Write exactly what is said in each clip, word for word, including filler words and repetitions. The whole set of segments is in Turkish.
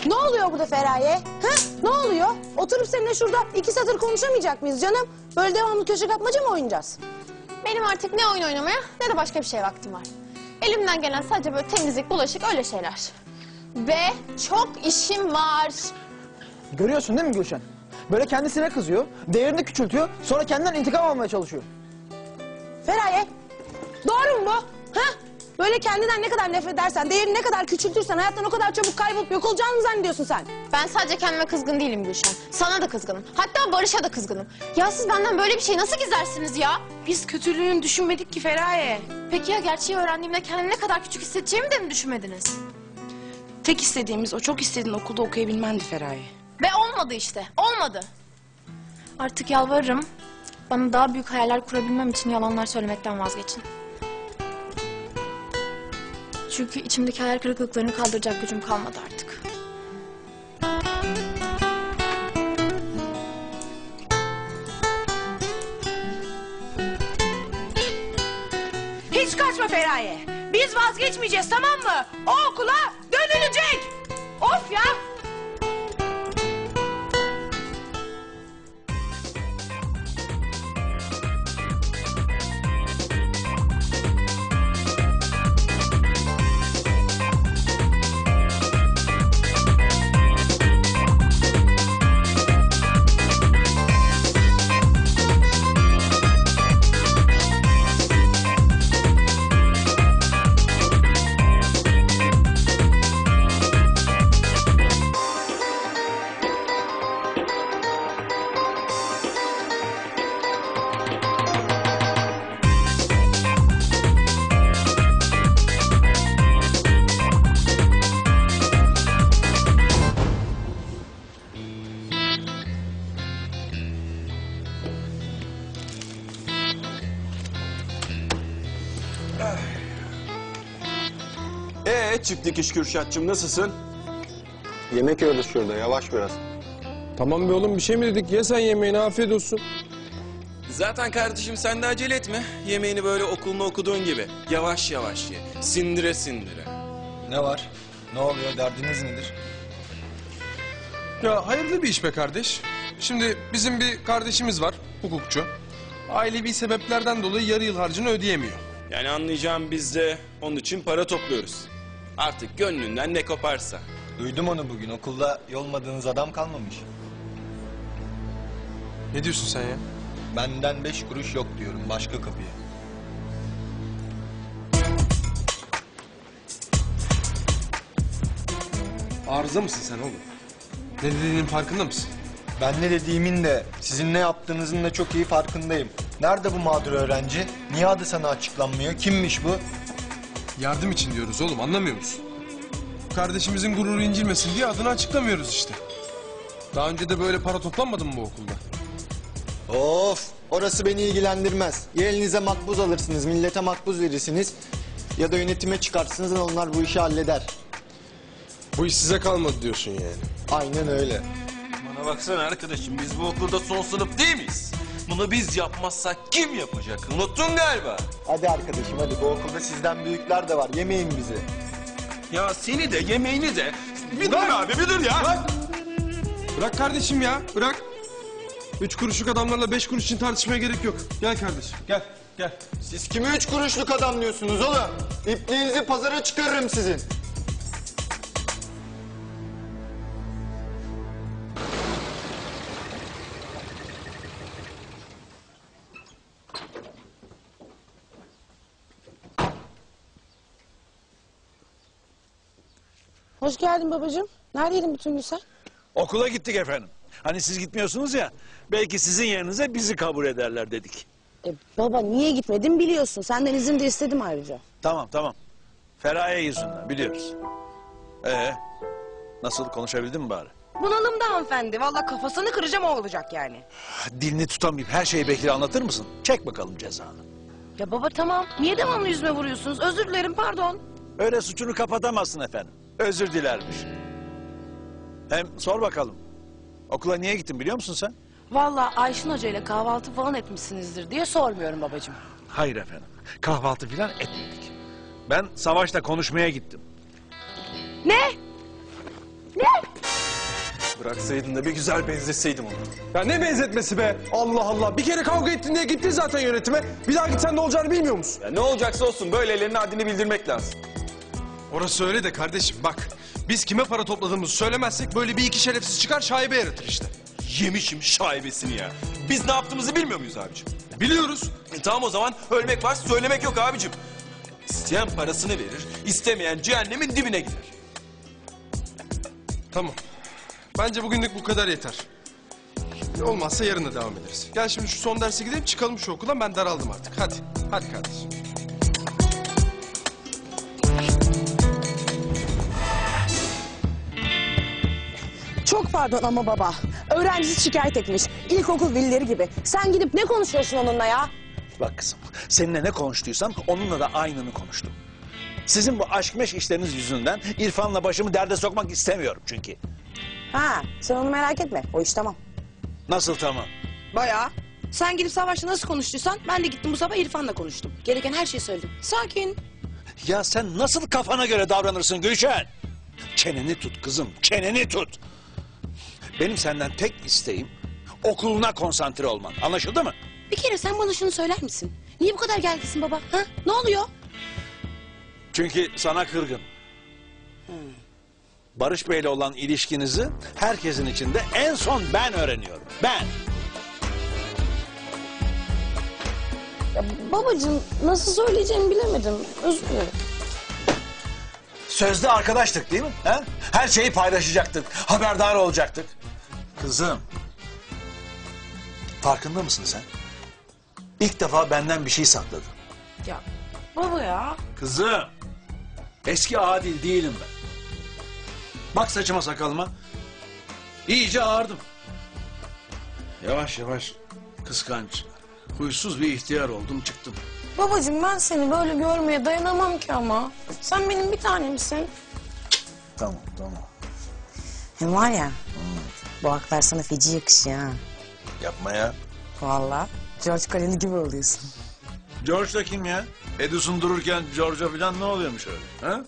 Ne oluyor burada Feraye? Ha? Ne oluyor? Oturup seninle şurada iki satır konuşamayacak mıyız canım? Böyle devamlı köşe kapmaca mı oynayacağız? Benim artık ne oyun oynamaya ne de başka bir şeye vaktim var. Elimden gelen sadece böyle temizlik, bulaşık öyle şeyler. Ve çok işim var. Görüyorsun değil mi Gülşen? Böyle kendisine kızıyor, değerini küçültüyor, sonra kendinden intikam almaya çalışıyor. Feraye, doğru mu bu? Ha? Böyle kendinden ne kadar nefret edersen, değerini ne kadar küçültürsen hayattan o kadar çabuk kaybolup yok olacağını mı zannediyorsun sen? Ben sadece kendime kızgın değilim Gülşen. Sana da kızgınım. Hatta Barış'a da kızgınım. Ya siz benden böyle bir şey nasıl gizlersiniz ya? Biz kötülüğünü düşünmedik ki Feraye. Peki ya gerçeği öğrendiğimde kendimi ne kadar küçük hissedeceğimi de mi düşünmediniz? Tek istediğimiz o çok istediğin okulda okuyabilmendi Feraye. Ve olmadı işte. Olmadı. Artık yalvarırım. Bana daha büyük hayaller kurabilmem için yalanlar söylemekten vazgeçin. Çünkü içimdeki hayal kırıklıklarını kaldıracak gücüm kalmadı artık. Hiç kaçma Feraye. Biz vazgeçmeyeceğiz, tamam mı? O okula dönülecek. Of ya. Ee, çift dikiş Kürşatçığım, nasılsın? Yemek yiyoruz şurada, yavaş biraz. Tamam be oğlum, bir şey mi dedik? Ye sen yemeğini, afiyet olsun. Zaten kardeşim sen de acele etme. Yemeğini böyle okulunu okuduğun gibi. Yavaş yavaş ye. Sindire sindire. Ne var? Ne oluyor? Derdiniz nedir? Ya hayırlı bir iş be kardeş. Şimdi bizim bir kardeşimiz var, hukukçu. Ailevi sebeplerden dolayı yarı yıl harcını ödeyemiyor. Yani anlayacağım, biz de onun için para topluyoruz. Artık gönlünden ne koparsa. Duydum onu bugün. Okulda yolmadığınız adam kalmamış. Ne diyorsun sen ya? Benden beş kuruş yok diyorum. Başka kapıya. Arıza mısın sen oğlum? Ne dediğinin farkında mısın? Ben ne dediğimin de, sizin ne yaptığınızın da çok iyi farkındayım. Nerede bu mağdur öğrenci? Niye adı sana açıklanmıyor? Kimmiş bu? Yardım için diyoruz oğlum, anlamıyor musun? Kardeşimizin gururu incilmesin diye adını açıklamıyoruz işte. Daha önce de böyle para toplanmadı mı bu okulda? Of! Orası beni ilgilendirmez. Ya elinize makbuz alırsınız, millete makbuz verirsiniz. Ya da yönetime çıkarsınız, onlar bu işi halleder. Bu iş size kalmadı diyorsun yani. Aynen öyle. Bana baksana arkadaşım, biz bu okulda son sınıf değil miyiz? Bunu biz yapmazsak kim yapacak? Unuttun galiba. Hadi arkadaşım hadi, bu okulda sizden büyükler de var. Yemeyin bizi. Ya seni de yemeğini de... Bir dur abi, bir dur ya. Bırak! Bırak kardeşim ya, bırak. Üç kuruşluk adamlarla beş kuruş için tartışmaya gerek yok. Gel kardeşim, gel, gel. Siz kimi üç kuruşluk adam diyorsunuz oğlum? İpliğinizi pazara çıkarırım sizin. Hoş geldin babacığım. Neredeydin bütün gün sen? Okula gittik efendim. Hani siz gitmiyorsunuz ya, belki sizin yerinize bizi kabul ederler dedik. E, baba niye gitmedin biliyorsun. Senden izin de istedim ayrıca. Tamam tamam. Feraye yüzünden biliyoruz. Ee, nasıl, konuşabildin mi bari? Bunalımda hanımefendi. Vallahi kafasını kıracağım, o olacak yani. Dilini tutamayıp her şeyi Bekir'e anlatır mısın? Çek bakalım cezanı. Ya baba tamam. Niye devamlı yüzüme vuruyorsunuz? Özür dilerim, pardon. Öyle suçunu kapatamazsın efendim. Özür dilermiş. Hem sor bakalım. Okula niye gittin biliyor musun sen? Vallahi Ayşin Hoca ile kahvaltı falan etmişsinizdir diye sormuyorum babacığım. Hayır efendim. Kahvaltı falan etmedik. Ben Savaş'la konuşmaya gittim. Ne? Ne? Bıraksaydın da bir güzel benzetseydin onu. Ya ne benzetmesi be? Allah Allah. Bir kere kavga ettin diye gittin zaten yönetime. Bir daha gitsen ne olacağını bilmiyor musun? Ya ne olacaksa olsun böyle ellerine haddini bildirmek lazım. Orası öyle de kardeşim bak. Biz kime para topladığımızı söylemezsek böyle bir iki şerefsiz çıkar şaibe yaratır işte. Yemişim şaibesini ya. Biz ne yaptığımızı bilmiyor muyuz abicim? Biliyoruz. E tamam o zaman ölmek var söylemek yok abicim. İsteyen parasını verir, istemeyen cehennemin dibine gider. Tamam. Bence bugünlük bu kadar yeter. Olmazsa yarın da devam ederiz. Gel şimdi şu son derse gidelim çıkalım şu okuldan, ben daraldım artık. Hadi. Hadi kardeşim. Çok pardon ama baba. Öğrencisi şikayet etmiş. İlkokul velileri gibi. Sen gidip ne konuşuyorsun onunla ya? Bak kızım, seninle ne konuştuysam onunla da aynını konuştum. Sizin bu aşk meşk işleriniz yüzünden İrfan'la başımı derde sokmak istemiyorum çünkü. Ha, sen onu merak etme. O iş tamam. Nasıl tamam? Bayağı. Sen gidip Savaş'la nasıl konuştuysan ben de gittim bu sabah İrfan'la konuştum. Gereken her şeyi söyledim. Sakin. Ya sen nasıl kafana göre davranırsın Gülşen? Çeneni tut kızım, çeneni tut. Benim senden tek isteğim okuluna konsantre olman. Anlaşıldı mı? Bir kere sen bana şunu söyler misin? Niye bu kadar gerginsin baba? Ha? Ne oluyor? Çünkü sana kırgın. Barış Bey'le olan ilişkinizi herkesin içinde en son ben öğreniyorum. Ben. Ya babacığım nasıl söyleyeceğimi bilemedim. Özür dilerim. Sözde arkadaştık değil mi? Ha? Her şeyi paylaşacaktık. Haberdar olacaktık. Kızım. Farkında mısın sen? İlk defa benden bir şey sakladın. Ya baba ya. Kızım. Eski Adil değilim ben. Bak saçıma sakalıma. İyice ağardım. Yavaş yavaş kıskanç, huysuz bir ihtiyar oldum çıktım. Babacığım ben seni böyle görmeye dayanamam ki ama. Sen benim bir tanemsin. Tamam tamam. Hem var ya, bu aklar sana feci yakışıyor ha. Yapma ya. Vallahi George Clooney gibi oluyorsun. George da kim ya? Edison dururken George'a falan ne oluyormuş öyle? Ha?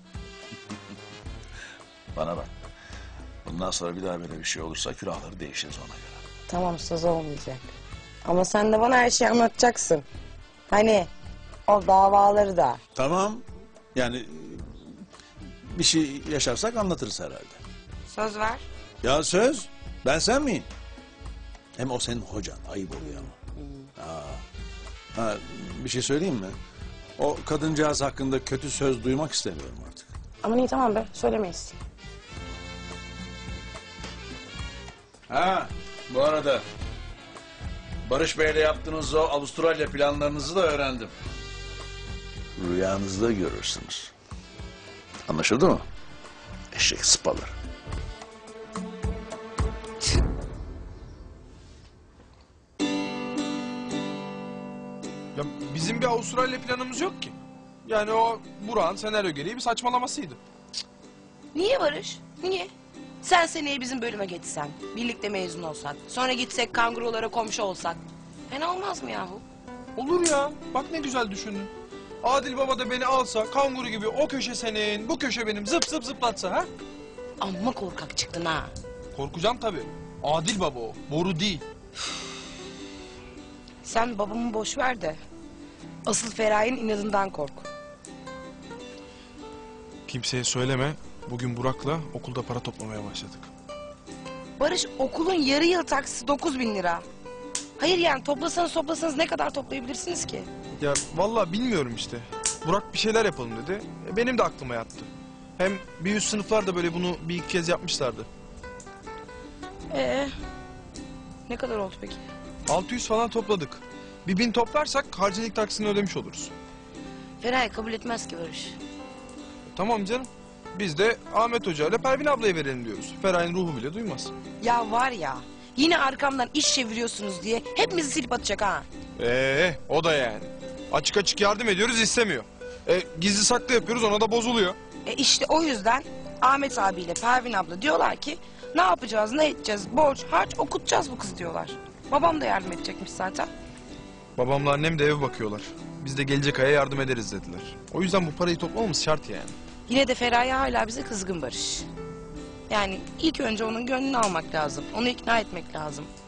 Bana bak. Bundan sonra bir daha böyle bir şey olursa külahları değişiriz ona göre. Tamam söz olmayacak. Ama sen de bana her şeyi anlatacaksın. Hani o davaları da. Tamam. Yani bir şey yaşarsak anlatırız herhalde. Söz ver. Ya söz. Ben sen miyim? Hem o senin hocan. Ayıp oluyor ama. Ha. Ha, bir şey söyleyeyim mi? O kadıncağız hakkında kötü söz duymak istemiyorum artık. Ama iyi tamam be söylemeyiz. Ha, bu arada Barış Bey'le yaptığınız o Avustralya planlarınızı da öğrendim. Rüyanızda görürsünüz. Anlaşıldı mı? Eşek sıpalar. Ya bizim bir Avustralya planımız yok ki. Yani o Burak'ın senaryo gereği bir saçmalamasıydı. Niye Barış? Niye? Sen seneye bizim bölüme geçsen, birlikte mezun olsak, sonra gitsek kangurulara komşu olsak. Fena olmaz mı yahu? Olur ya. Bak ne güzel düşündün. Adil Baba da beni alsa, kanguru gibi o köşe senin, bu köşe benim zıp zıp zıplatsa ha? Amma korkak çıktın ha. Korkacağım tabii. Adil Baba o, boru değil. Sen babamı boş ver de asıl Feraye'nin inadından kork. Kimseye söyleme. Bugün Burak'la okulda para toplamaya başladık. Barış okulun yarı yıl taksisi dokuz bin lira. Hayır yani toplasanız toplasanız ne kadar toplayabilirsiniz ki? Ya vallahi bilmiyorum işte. Burak bir şeyler yapalım dedi. E, benim de aklıma yattı. Hem bir üst sınıflar da böyle bunu bir iki kez yapmışlardı. Ee, ne kadar oldu peki? altı yüz falan topladık. Bir bin toplarsak harcılık taksini ödemiş oluruz. Feraye kabul etmez ki Barış. Tamam canım. Biz de Ahmet Hoca ile Pervin ablaya verelim diyoruz. Feray'ın ruhu bile duymaz. Ya var ya yine arkamdan iş çeviriyorsunuz diye hepimizi silip atacak ha. Ee, o da yani. Açık açık yardım ediyoruz istemiyor. E, gizli saklı yapıyoruz ona da bozuluyor. E işte o yüzden Ahmet abiyle Pervin abla diyorlar ki ne yapacağız ne edeceğiz borç harç okutacağız bu kız diyorlar. Babam da yardım edecekmiş zaten. Babamla annem de eve bakıyorlar. Biz de gelecek aya yardım ederiz dediler. O yüzden bu parayı toplamamız şart yani. Yine de Feraye hala bize kızgın Barış. Yani ilk önce onun gönlünü almak lazım. Onu ikna etmek lazım.